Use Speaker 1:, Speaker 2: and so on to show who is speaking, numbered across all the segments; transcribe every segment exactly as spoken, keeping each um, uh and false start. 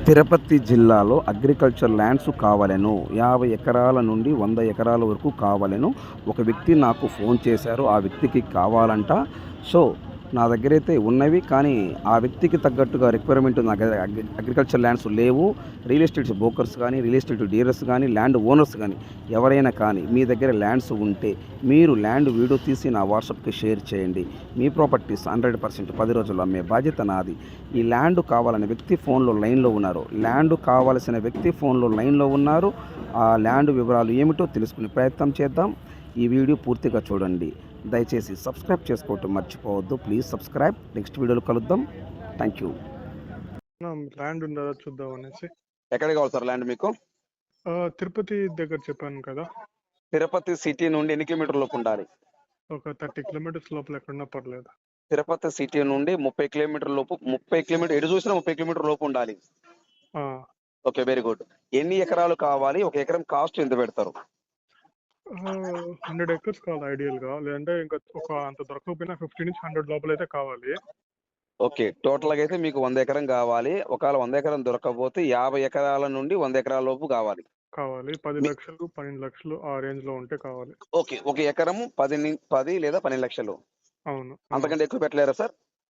Speaker 1: తిరుపతి జిల్లాలో agriculture lands కావాలెను. యాభై ఎకరాల నుండి వంద ఎకరాల వరకు కావాలెను. ఒక వ్యక్తి నాకు ఫోన్ చేశారు. ఆ వ్యక్తికి కావాలంట. సో, నా దగ్గరైతే ఉన్నవి. కానీ ఆ వ్యక్తికి తగ్గట్టుగా రిక్వైర్మెంట్ నా దగ్గర అగ్రి అగ్రికల్చర్ ల్యాండ్స్ లేవు. రియల్ ఎస్టేట్ బ్రోకర్స్ గానీ, రియల్ ఎస్టేట్ డీలర్స్ గానీ, ల్యాండ్ ఓనర్స్ గానీ ఎవరైనా కానీ మీ దగ్గర ల్యాండ్స్ ఉంటే మీరు ల్యాండ్ వీడియో తీసి నా వాట్సాప్‌కి షేర్ చేయండి. మీ ప్రాపర్టీస్ వంద పర్సెంట్ పది రోజుల్లో అమ్మే బాధ్యత నాది. ఈ ల్యాండ్ కావాలనే వ్యక్తి ఫోన్‌లో లైన్‌లో ఉన్నారు. ల్యాండ్ కావాల్సిన వ్యక్తి ఫోన్‌లో లైన్‌లో ఉన్నారు. ఆ ల్యాండ్ వివరాలు ఏమిటో తెలుసుకునే ప్రయత్నం చేద్దాం. ఈ వీడియో పూర్తిగా చూడండి. దయచేసి సబ్స్క్రైబ్ చేసుకోవటం మర్చిపోవద్దు. Please subscribe. నెక్స్ట్ వీడియోలో కలుద్దాం. Thank you.
Speaker 2: ల్యాండ్ ఉందా చూద్దాం అనేసి.
Speaker 1: ఎక్కడ కావాలి సార్ ల్యాండ్ మీకు?
Speaker 2: ఆ, తిరుపతి దగ్గర చెప్పాను కదా,
Speaker 1: తిరుపతి సిటీ నుండి ఎన్ని కిలోమీటర్ లోపు ఉండాలి?
Speaker 2: ఒక థర్టీ కిలోమీటర్స్ లోపల ఎక్కడున్నా పర్లేదు.
Speaker 1: తిరుపతి సిటీ నుండి ముప్పై కిలోమీటర్ లోపు ముప్పై కిలోమీటర్ ఎటు చూసినా ముప్పై కిలోమీటర్ లోపు ఉండాలి.
Speaker 2: ఆ,
Speaker 1: ఓకే, వెరీ గుడ్. ఎన్ని ఎకరాలు కావాలి? ఒక ఎకరం కాస్ట్ ఎంత పెడతారు?
Speaker 2: హండ్రెడ్ ఎకర్స్ కావాలి ఐడియల్ గా, లేదంటే ఇంకా ఒక అంత దొరకకపోయినా ఫిఫ్టీ నుంచి హండ్రెడ్ లోపల అయితే కావాలి.
Speaker 1: ఓకే, టోటల్ గా అయితే మీకు వంద ఎకరం కావాలి. ఒకవేళ వంద ఎకరం దొరకకపోతే యాభై ఎకరాల నుండి వంద ఎకరాల లోపు కావాలి.
Speaker 2: కావాలి పది
Speaker 1: మీ-
Speaker 2: లక్షలు పన్నెండు లక్షలు ఆ రేంజ్ లో ఉంటే కావాలి.
Speaker 1: ఓకే, ఒక ఎకరము పది ని- పది లేదా పన్నెండు లక్షలు.
Speaker 2: అవును. ఆ.
Speaker 1: అంతకంటే ఎక్కువ పెట్టలేరా సార్?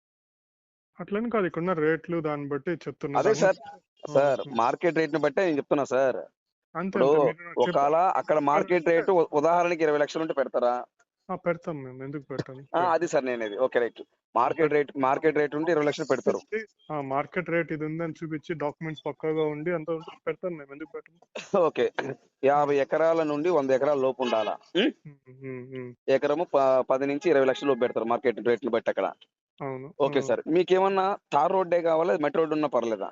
Speaker 2: అట్లని కాదు, ఇక్కడున్న రేట్లు దాన్ని బట్టి చెప్తున్నా.
Speaker 1: అదే సార్,
Speaker 2: ఆ,
Speaker 1: సార్
Speaker 2: ఆ.
Speaker 1: మార్కెట్ రేట్ ని బట్టే నేను చెప్తున్నా సార్.
Speaker 2: అంతే
Speaker 1: ఇప్పుడు
Speaker 2: అంతే. మీరు నాకు
Speaker 1: ఒకవేళ
Speaker 2: చెప్పండి.
Speaker 1: అక్కడ మార్కెట్ రేటు ఉ- ఉదాహరణకి ఇరవై లక్షలు ఉంటే పెడతారా?
Speaker 2: ఆ, పెడతాం మేము, ఎందుకు పెట్టాను.
Speaker 1: ఆ, అది సార్ నేనేది. Okay, right. Market rate market rate ఉంటే ఇరవై లక్షలు పెడతారు.
Speaker 2: మార్కెట్ రేట్ ఇది ఉందని చూపించి డాక్యుమెంట్స్ పక్కాగా ఉండి అంత ఉంటే పెడతాను మేము, ఎందుకు పెట్టను.
Speaker 1: ఓకే, యాభై ఎకరాల నుండి వంద ఎకరాల లోపు ఉండాలా? ఉం?
Speaker 2: ఉమ్, ఉమ్, ఉమ్.
Speaker 1: ఎకరము ప- పది నుంచి ఇరవై లక్షల లోపు పెడతారు మార్కెట్ రేట్లు బట్టి అక్కడ.
Speaker 2: అవును.
Speaker 1: ఓకే సార్, మీకేమన్నా తార్ రోడ్డే కావాలా, మట్టి రోడ్డు ఉన్నా పర్లేదా?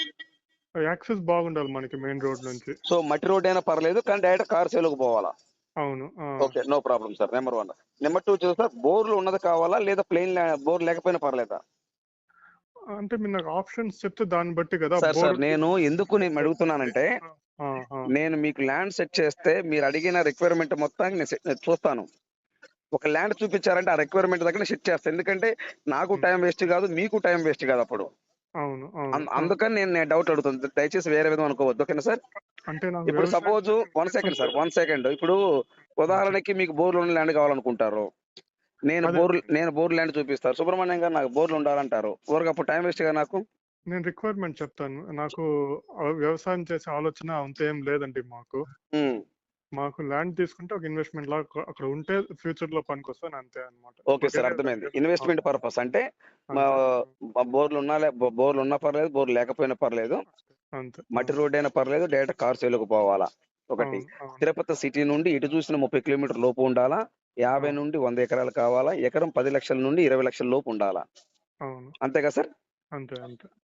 Speaker 2: యాక్సెస్ బాగుండాలి మనకి మెయిన్ రోడ్ నుంచి.
Speaker 1: సో మట్టి రోడ్ అయినా పర్లేదు, కానీ డైరెక్ట్ కార్ సేలుకు పోవాలా?
Speaker 2: అవును. ఆ.
Speaker 1: Okay, no problem sir. Number one. Number two చూస్తే బోర్లు ఉన్నది కావాలా, లేదా ప్లెయిన్ బోర్ లేకపోయినా పర్లేదా?
Speaker 2: అంటే మీరు నాకు ఆప్షన్స్ చెప్తే దాన్ని బట్టి కదా.
Speaker 1: సార్ సార్
Speaker 2: బోర్డు
Speaker 1: నేను ఎందుకు నేను అడుగుతున్నానంటే, నేను మీకు ల్యాండ్ సెట్ చేస్తే మీరు అడిగిన రిక్వైర్మెంట్ మొత్తాన్ని నేను సెట్- నేను చూస్తాను. ఒక ల్యాండ్ చూపించారంటే ఆ రిక్వైర్మెంట్ దగ్గర సెట్ చేస్తాను. ఎందుకంటే నాకు టైం వేస్ట్ కాదు, మీకు టైం వేస్ట్ కాదు అప్పుడు.
Speaker 2: అవును. అవును.
Speaker 1: అం- అందుకని నేను నేను డౌట్ అడుగుతుంది. దయచేసి వేరే విధంగా అనుకోవద్దు, ఓకేనా సార్?
Speaker 2: అంటే నాకు
Speaker 1: ఇప్పుడు
Speaker 2: వ్యవసాయం
Speaker 1: suppose one second sir, one second. ఇప్పుడు ఉదాహరణకి మీకు బోర్లు ఉన్న ల్యాండ్ కావాలనుకుంటారు. నేను
Speaker 2: అదే.
Speaker 1: బోర్ నేను బోర్ ల్యాండ్ చూపిస్తారు. సుబ్రహ్మణ్యం గారు నాకు బోర్లు ఉండాలంటారు. ఊరికి అప్పుడు టైం వేస్ట్ గా నాకు.
Speaker 2: నేను రిక్వైర్మెంట్ చెప్తాను. నాకు ఆ వ్యవసాయం చేసే ఆలోచన అంత ఏం లేదండి మాకు.
Speaker 1: ఉమ్.
Speaker 2: మాకు ల్యాండ్ తీసుకుంటే ఒక ఇన్వెస్ట్మెంట్ లాగా అక్కడ ఉంటే ఫ్యూచర్ లో పనికొస్తాను, అంతే అనమాట.
Speaker 1: ఓకే సార్, అర్థమైంది. ఇన్వెస్ట్మెంట్ పర్పస్ అంటే మా బోర్లు ఉన్నా లే- బో- బోర్లు ఉన్నా పర్లేదు, బోర్లు లేకపోయినా పర్లేదు,
Speaker 2: అంతే.
Speaker 1: మట్టి రోడ్ అయినా పర్లేదు, డైరెక్ట్ కార్ సేలుకు పోవాలా? ఒకటి.
Speaker 2: అవును. అవును.
Speaker 1: తిరుపతి సిటీ నుండి ఇటు చూసిన ముప్పై కిలోమీటర్ లోపు ఉండాలా? యాభై
Speaker 2: అవును.
Speaker 1: నుండి వంద ఎకరాలు కావాలా? ఎకరం పది లక్షల నుండి ఇరవై లక్షల లోపు ఉండాలా?
Speaker 2: అవును.
Speaker 1: అంతేగా సార్?
Speaker 2: అంతే అంతే.